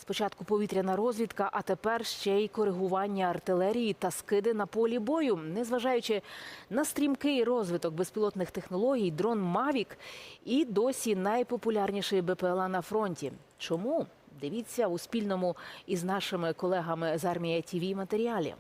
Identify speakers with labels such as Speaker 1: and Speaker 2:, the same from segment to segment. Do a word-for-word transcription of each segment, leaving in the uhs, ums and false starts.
Speaker 1: Спочатку повітряна розвідка, а тепер ще й коригування артилерії та скиди на полі бою. Незважаючи на стрімкий розвиток безпілотних технологій, дрон «Мавік» і досі найпопулярніший Бе Пе Ел А на фронті. Чому? Дивіться у спільному із нашими колегами з Армія Ті Ві матеріалі.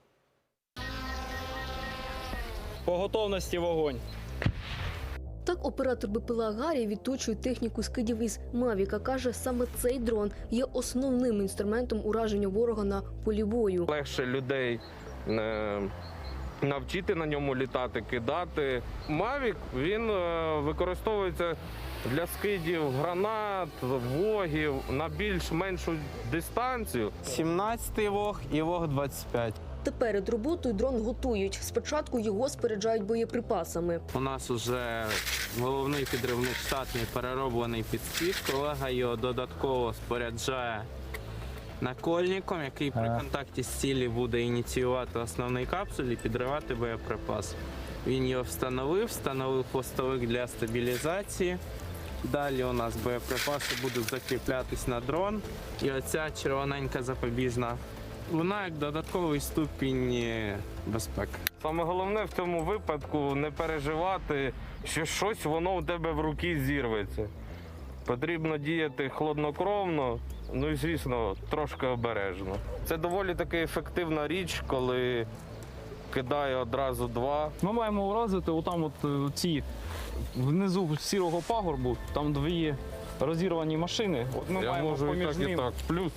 Speaker 2: По готовності вогонь.
Speaker 3: Так оператор Бе Пе Ел А Гаррі відточує техніку скидів із «Мавіка». Каже, саме цей дрон є основним інструментом ураження ворога на полі бою.
Speaker 4: Легше людей е, навчити на ньому літати, кидати. «Мавік» він е, використовується для скидів гранат, вогів на більш-меншу дистанцію.
Speaker 5: сімнадцятий вог і вог двадцять п'ять.
Speaker 3: Та перед роботою дрон готують. Спочатку його споряджають боєприпасами.
Speaker 5: У нас вже головний підривник штатний перероблений під спід. Колега його додатково споряджає накольником, який при контакті з цілі буде ініціювати основний капсуль і підривати боєприпас. Він його встановив, встановив хвостовик для стабілізації. Далі у нас боєприпаси будуть закріплятись на дрон. І оця червоненька запобіжна, вона як додатковий ступінь безпеки.
Speaker 4: Саме головне в цьому випадку не переживати, що щось воно у тебе в руки зірветься. Потрібно діяти хладнокровно, ну і, звісно, трошки обережно. Це доволі таки ефективна річ, коли кидає одразу два.
Speaker 2: Ми маємо вразити отам от ці внизу сірого пагорбу, там дві розірвані машини. От ми
Speaker 4: Я
Speaker 2: маємо
Speaker 4: можу і
Speaker 2: поміж
Speaker 4: так, і
Speaker 2: ними.
Speaker 4: так. Плюс.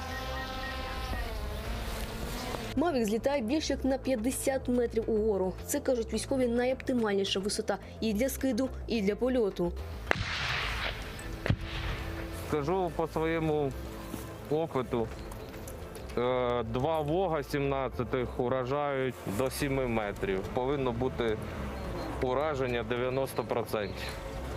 Speaker 3: «Мавік» злітає більше як на п'ятдесят метрів угору. Це, кажуть військові, найоптимальніша висота і для скиду, і для польоту.
Speaker 4: Скажу по своєму опиту, е, два вога сімнадцятих уражають до семи метрів. Повинно бути ураження дев'яносто відсотків.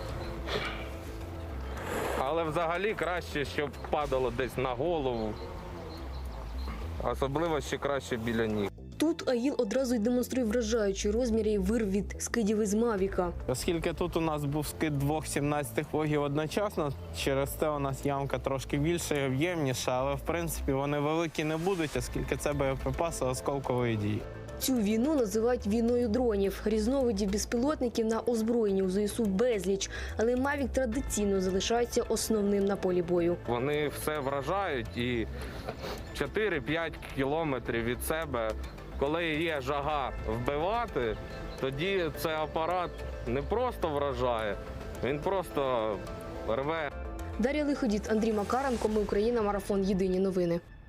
Speaker 4: Але взагалі краще, щоб падало десь на голову. Особливо ще краще біля ніг.
Speaker 3: Тут АІЛ одразу й демонструє вражаючі розміри і вирв від скидів із «Мавіка».
Speaker 5: Оскільки тут у нас був скид двох сімнадцятих вогів одночасно, через це у нас ямка трошки більша і об'ємніша, але в принципі вони великі не будуть, оскільки це боєприпаси осколкової дії.
Speaker 3: Цю війну називають війною дронів. Різновидів безпілотників на озброєнні у Зе Ес У безліч, але «Мавік» традиційно залишається основним на полі бою.
Speaker 4: Вони все вражають і чотири-п'ять кілометрів від себе, коли є жага вбивати, тоді цей апарат не просто вражає, він просто рве.
Speaker 3: Дар'я Лиходіт, Андрій Макаренко. Ми Україна. Марафон. Єдині новини.